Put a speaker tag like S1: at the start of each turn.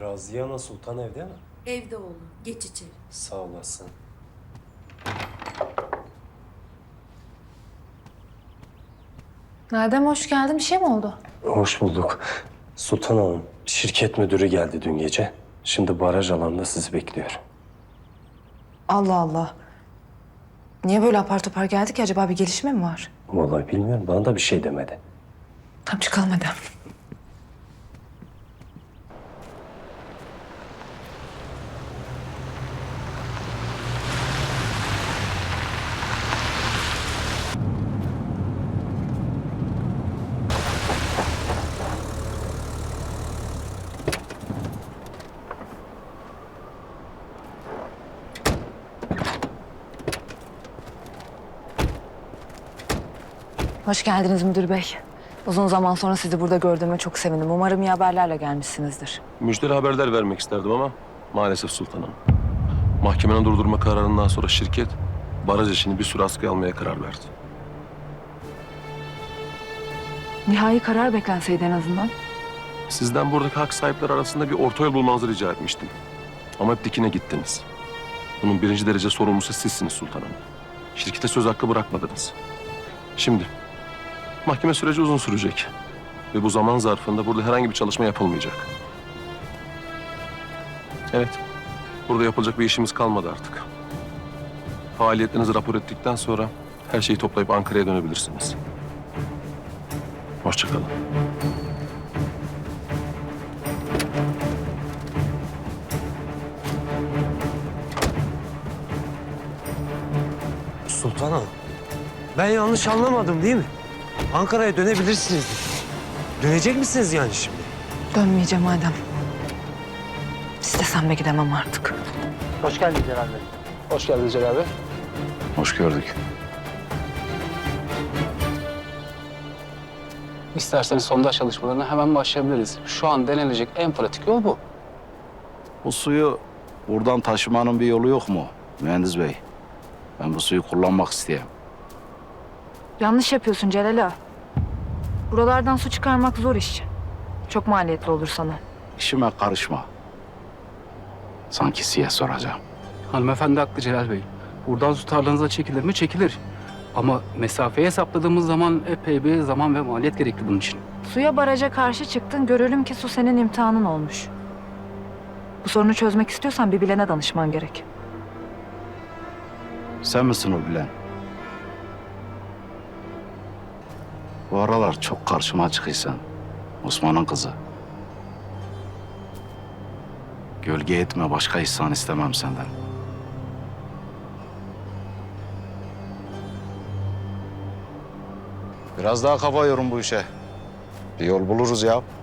S1: Raziye Ana Sultan evde mi?
S2: Evde oğlum. Geç içeri.
S1: Sağ olasın.
S3: Nadem hoş geldin. Bir şey mi oldu?
S1: Hoş bulduk. Sultan Hanım, şirket müdürü geldi dün gece. Şimdi baraj alanında sizi bekliyor.
S3: Allah Allah. Niye böyle apar topar geldik ki? Acaba bir gelişme mi var?
S1: Vallahi bilmiyorum, bana da bir şey demedi.
S3: Tamam çıkalım hadi. Hoş geldiniz müdür bey. Uzun zaman sonra sizi burada gördüğüme çok sevindim. Umarım iyi haberlerle gelmişsinizdir.
S4: Müjdeli haberler vermek isterdim ama maalesef sultanım. Mahkemenin durdurma kararından sonra şirket baraj işini bir süre askıya almaya karar verdi.
S3: Nihai karar beklenseydi en azından.
S4: Sizden buradaki hak sahipleri arasında bir orta yol bulmanızı rica etmiştim. Ama hep dikine gittiniz. Bunun birinci derece sorumlusu sizsiniz sultanım. Şirkete söz hakkı bırakmadınız. Şimdi mahkeme süreci uzun sürecek. Ve bu zaman zarfında burada herhangi bir çalışma yapılmayacak. Evet, burada yapılacak bir işimiz kalmadı artık. Faaliyetlerinizi rapor ettikten sonra her şeyi toplayıp Ankara'ya dönebilirsiniz. Hoşça kalın.
S1: Sultan Hanım, ben yanlış anlamadım değil mi? Ankara'ya dönebilirsiniz. Dönecek misiniz yani şimdi?
S3: Dönmeyeceğim madem. İstesem de gidemem artık.
S5: Hoş geldin Celal Bey.
S6: Hoş geldin Celal Bey.
S4: Hoş gördük.
S6: İsterseniz sondaj çalışmalarına hemen başlayabiliriz. Şu an denilecek en pratik yol bu.
S7: Bu suyu buradan taşımanın bir yolu yok mu mühendis bey? Ben bu suyu kullanmak isteyeyim.
S3: Yanlış yapıyorsun Celal ağa. Buralardan su çıkarmak zor iş. Çok maliyetli olur sana.
S7: İşime karışma. Sanki size soracağım.
S6: Hanımefendi haklı Celal Bey. Buradan su tarlanıza çekilir mi? Çekilir. Ama mesafeyi hesapladığımız zaman epey bir zaman ve maliyet gerekli bunun için.
S3: Suya baraja karşı çıktın. Görelim ki su senin imtihanın olmuş. Bu sorunu çözmek istiyorsan bir bilene danışman gerek.
S7: Sen misin o bilen? Bu aralar çok karşıma çıkıysan. Osman'ın kızı. Gölge etme, başka ihsan istemem senden. Biraz daha kafa yorun bu işe. Bir yol buluruz ya.